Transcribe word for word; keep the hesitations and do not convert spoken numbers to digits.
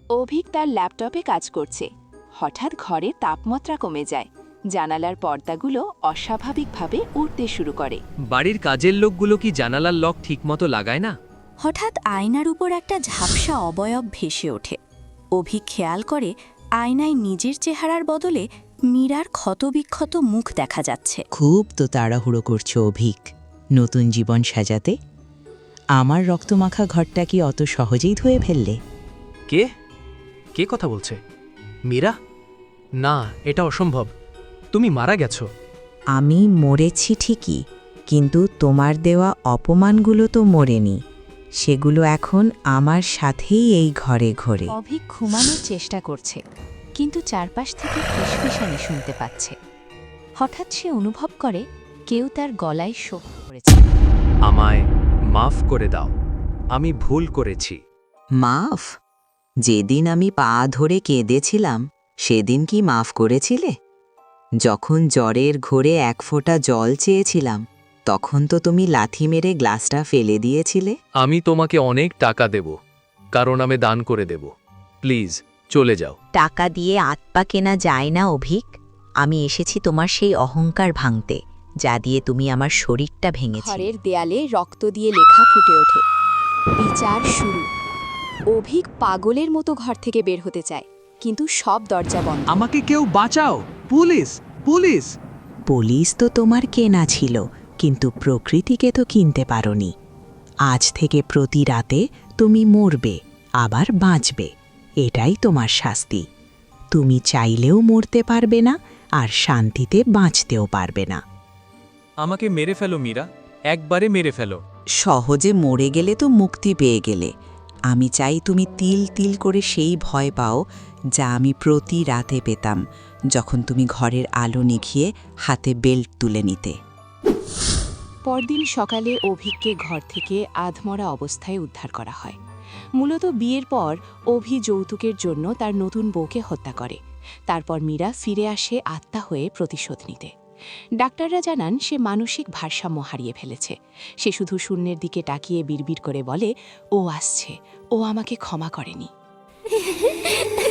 অভিক তার ল্যাপটপে কাজ করছে। হঠাৎ ঘরে তাপমাত্রা কমে যায়। জানালার পর্দাগুলো অস্বাভাবিকভাবে উঠতে শুরু করে। বাড়ির কাজের লোকগুলো কি জানালার লক ঠিকমতো লাগায় না? হঠাৎ আয়নার উপর একটা ঝাপসা অবয়ব ভেসে ওঠে। অভিক খেয়াল করে আয়নায় নিজের চেহারার বদলে মীরার ক্ষতবিক্ষত মুখ দেখা যাচ্ছে। খুব তো তাড়াহুড়ো করছো অভিক, নতুন জীবন সাজাতে। আমার রক্তমাখা ঘরটা কি অত সহজেই ধুয়ে ফেললে? কে কে কথা বলছে? মীরা? না, এটা অসম্ভব। তুমি মারা গেছো। আমি মরেছি ঠিকই, কিন্তু তোমার দেওয়া অপমানগুলো তো মরেনি। সেগুলো এখন আমার সাথেই এই ঘরে ঘরে। অভিক ঘুমানোর চেষ্টা করছে, কিন্তু চারপাশ থেকে ফিসফিসানি শুনতে পাচ্ছে। হঠাৎ সে অনুভব করে কেউ তার গলায় শোক করেছে। আমায় মাফ করে দাও, আমি ভুল করেছি। মাফ? যেদিন আমি পা ধরে কেঁদেছিলাম সেদিন কি মাফ করেছিলে? যখন জ্বরের ঘোরে এক ফোঁটা জল চেয়েছিলাম তখন তো তুমি লাথি মেরে গ্লাসটা ফেলে দিয়েছিলে। আমি তোমাকে অনেক টাকা দেব, কারণ আমি দান করে দেব। প্লিজ চলে যাও। টাকা দিয়ে আত্মা কেনা যায় না অভিক। আমি এসেছি তোমার সেই অহংকার ভাঙতে, যা দিয়ে তুমি আমার শরীরটা ভেঙেছিলে। ঘরের দেয়ালে রক্ত দিয়ে লেখা ফুটে ওঠে, বিচার শুরু। অভিক পাগলের মতো ঘর থেকে বের হতে চায়, কিন্তু সব দরজা বন্ধ। আমাকে কেউ বাঁচাও! পুলিশ! পুলিশ! পুলিশ তো তোমার কেনা ছিল, কিন্তু প্রকৃতিকে তো কিনতে পারোনি। আজ থেকে প্রতি রাতে তুমি মরবে, আবার বাঁচবে। এটাই তোমার শাস্তি। তুমি চাইলেও মরতে পারবে না, আর শান্তিতে বাঁচতেও পারবে না। আমাকে মেরে ফেলো মীরা, একবারে মেরে ফেলো। সহজে মরে গেলে তো মুক্তি পেয়ে গেলে। আমি চাই তুমি তিল তিল করে সেই ভয় পাও যা আমি প্রতি রাতে পেতাম, যখন তুমি ঘরের আলো নিভিয়ে হাতে বেল্ট তুলে নিতে। পরদিন সকালে অভিককে ঘর থেকে আধমরা অবস্থায় উদ্ধার করা হয়। মূলত বিয়ের পর অভি যৌতুকের জন্য তার নতুন বউকে হত্যা করে। তারপর মীরা ফিরে আসে আত্মা হয়ে প্রতিশোধ নিতে। ডাক্তাররা জানান সে মানসিক ভারসাম্য হারিয়ে ফেলেছে। সে শুধু শূন্যের দিকে তাকিয়ে বিড়বিড় করে বলে, ও আসছে, ও আমাকে ক্ষমা করেনি।